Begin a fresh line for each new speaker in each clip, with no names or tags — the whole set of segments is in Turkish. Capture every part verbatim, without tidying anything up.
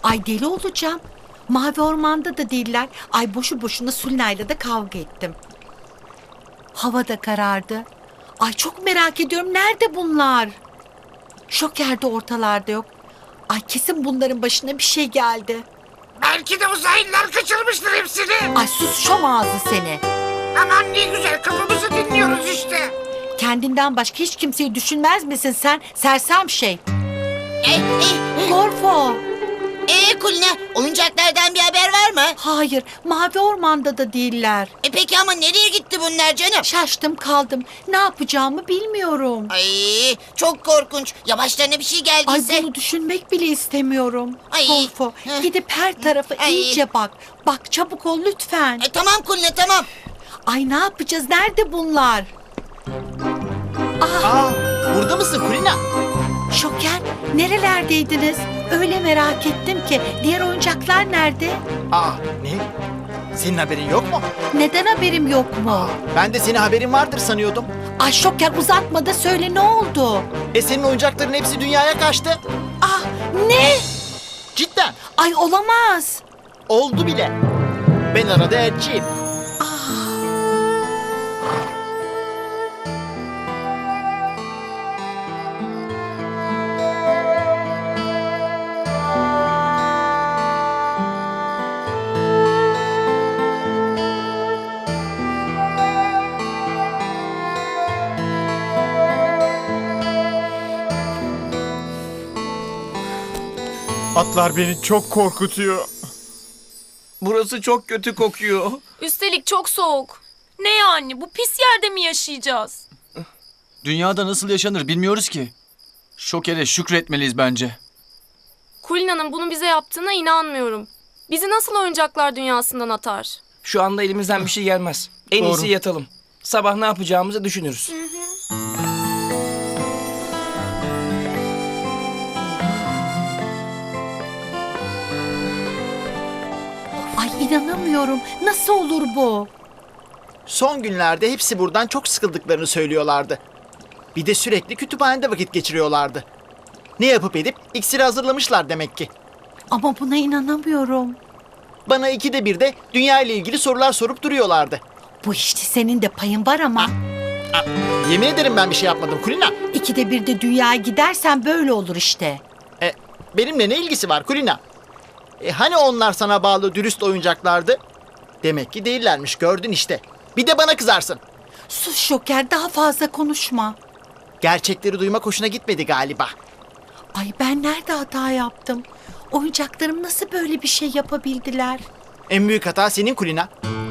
Ay deli olacağım. Mavi Orman'da da değiller. Ay boşu boşuna Sulina'yla da kavga ettim. Hava da karardı. Ay çok merak ediyorum. Nerede bunlar? Şoker de ortalarda yok. Ay kesin bunların başına bir şey geldi.
Belki de uzaylılar kaçırmıştır hepsini.
Ay sus şom ağzı seni.
Aman ne güzel, kafamızı dinliyoruz işte.
Kendinden başka hiç kimseyi düşünmez misin sen? Sersem şey.
E, e,
Gorfo.
e, Kulina, oyuncaklardan bir haber var mı?
Hayır, Mavi Orman'da da değiller.
E peki ama nereye gitti bunlar canım?
Şaştım kaldım. Ne yapacağımı bilmiyorum.
Ay çok korkunç. Ya başlarına bir şey
Ay
geldiyse.
bunu düşünmek bile istemiyorum.
Ay.
Gorfo,
Heh.
gidip her tarafa
Ay.
iyice bak. Bak çabuk ol lütfen.
E, tamam Kulina, tamam.
Ay ne yapacağız? Nerede bunlar?
Aa, burada mısın Kulina?
Şoker, nerelerdeydiniz? Öyle merak ettim ki. Diğer oyuncaklar nerede?
Aa, ne? Senin haberin yok mu?
Neden haberim yok mu?
Ben de senin haberin vardır sanıyordum.
Ay Şoker uzatma da söyle ne oldu?
E senin oyuncakların hepsi dünyaya kaçtı.
Ah ne?
Cidden.
Ay olamaz.
Oldu bile. Ben arada elçiyim.
Atlar beni çok korkutuyor.
Burası çok kötü kokuyor.
Üstelik çok soğuk. Ne yani? Bu pis yerde mi yaşayacağız?
Dünyada nasıl yaşanır bilmiyoruz ki. Şoker'e şükretmeliyiz bence.
Kulina'nın bunu bize yaptığına inanmıyorum. Bizi nasıl oyuncaklar dünyasından atar?
Şu anda elimizden bir şey gelmez. En
Doğru.
iyisi yatalım. Sabah ne yapacağımızı düşünürüz.
Ay inanamıyorum. Nasıl olur bu?
Son günlerde hepsi buradan çok sıkıldıklarını söylüyorlardı. Bir de sürekli kütüphanede vakit geçiriyorlardı. Ne yapıp edip iksiri hazırlamışlar demek ki.
Ama buna inanamıyorum.
Bana ikide bir de dünya ile ilgili sorular sorup duruyorlardı.
Bu işte senin de payın var ama.
Yemin ederim ben bir şey yapmadım Kulina.
İkide bir de dünyaya gidersen böyle olur işte.
E, benimle ne ilgisi var Kulina? E, hani onlar sana bağlı dürüst oyuncaklardı? Demek ki değillermiş, gördün işte. Bir de bana kızarsın.
Sus Şoker, daha fazla konuşma.
Gerçekleri duymak hoşuna gitmedi galiba.
Ay ben nerede hata yaptım? Oyuncaklarım nasıl böyle bir şey yapabildiler?
En büyük hata senin Kulina.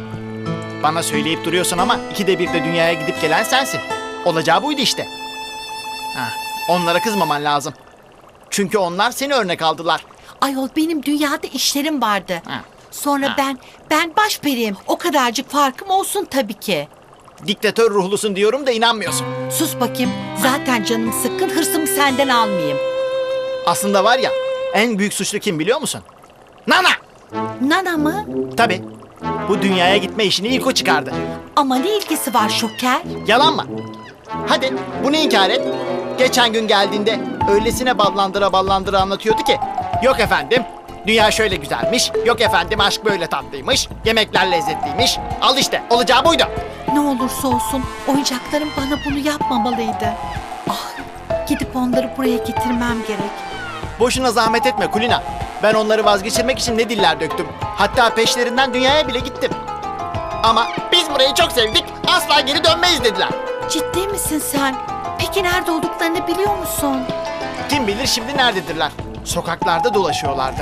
Bana söyleyip duruyorsun ama ikide bir de dünyaya gidip gelen sensin. Olacağı buydu işte. Ha, onlara kızmaman lazım. Çünkü onlar seni örnek aldılar.
Ayol benim dünyada işlerim vardı.
Ha.
Sonra
Ha.
ben, ben başperiyim. O kadarcık farkım olsun tabii ki.
Diktatör ruhlusun diyorum da inanmıyorsun.
Sus bakayım. Zaten canım sıkkın, hırsımı senden almayayım.
Aslında var ya, en büyük suçlu kim biliyor musun? Nana!
Nana mı?
Tabii. Bu dünyaya gitme işini ilk o çıkardı.
Ama ne ilgisi var Şoker?
Yalan mı? Hadi bunu inkar et. Geçen gün geldiğinde öylesine ballandıra ballandıra anlatıyordu ki. Yok efendim, dünya şöyle güzelmiş. Yok efendim, aşk böyle tatlıymış. Yemekler lezzetliymiş. Al işte, olacağı buydu.
Ne olursa olsun oyuncaklarım bana bunu yapmamalıydı. Ah, gidip onları buraya getirmem gerek.
Boşuna zahmet etme Kulina. Ben onları vazgeçirmek için ne diller döktüm. Hatta peşlerinden dünyaya bile gittim. Ama biz burayı çok sevdik, asla geri dönmeyiz dediler.
Ciddi misin sen? Peki nerede olduklarını biliyor musun?
Kim bilir şimdi nerededirler? Sokaklarda dolaşıyorlardı.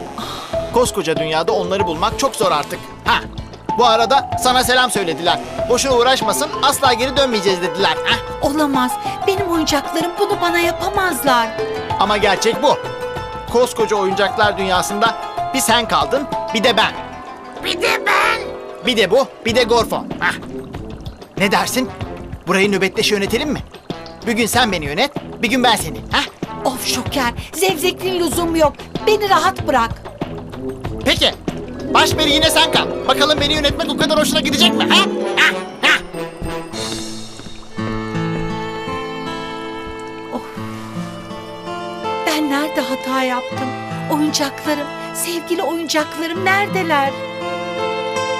Koskoca dünyada onları bulmak çok zor artık. Ha. Bu arada sana selam söylediler. Boşuna uğraşmasın, asla geri dönmeyeceğiz dediler. Ha.
Olamaz. Benim oyuncaklarım bunu bana yapamazlar.
Ama gerçek bu. Koskoca oyuncaklar dünyasında bir sen kaldın, bir de ben.
Bir de ben.
Bir de bu, bir de Gorfo. Hah. Ne dersin? Burayı nöbetleşe yönetelim mi? Bir gün sen beni yönet, bir gün ben seni. Hah?
Of Şoker, zevzekliğin lüzumu yok. Beni rahat bırak.
Peki, başperi yine sen kal. Bakalım beni yönetmek o kadar hoşuna gidecek mi? Ha? Ha? Ha?
Ben nerede hata yaptım? Oyuncaklarım, sevgili oyuncaklarım neredeler?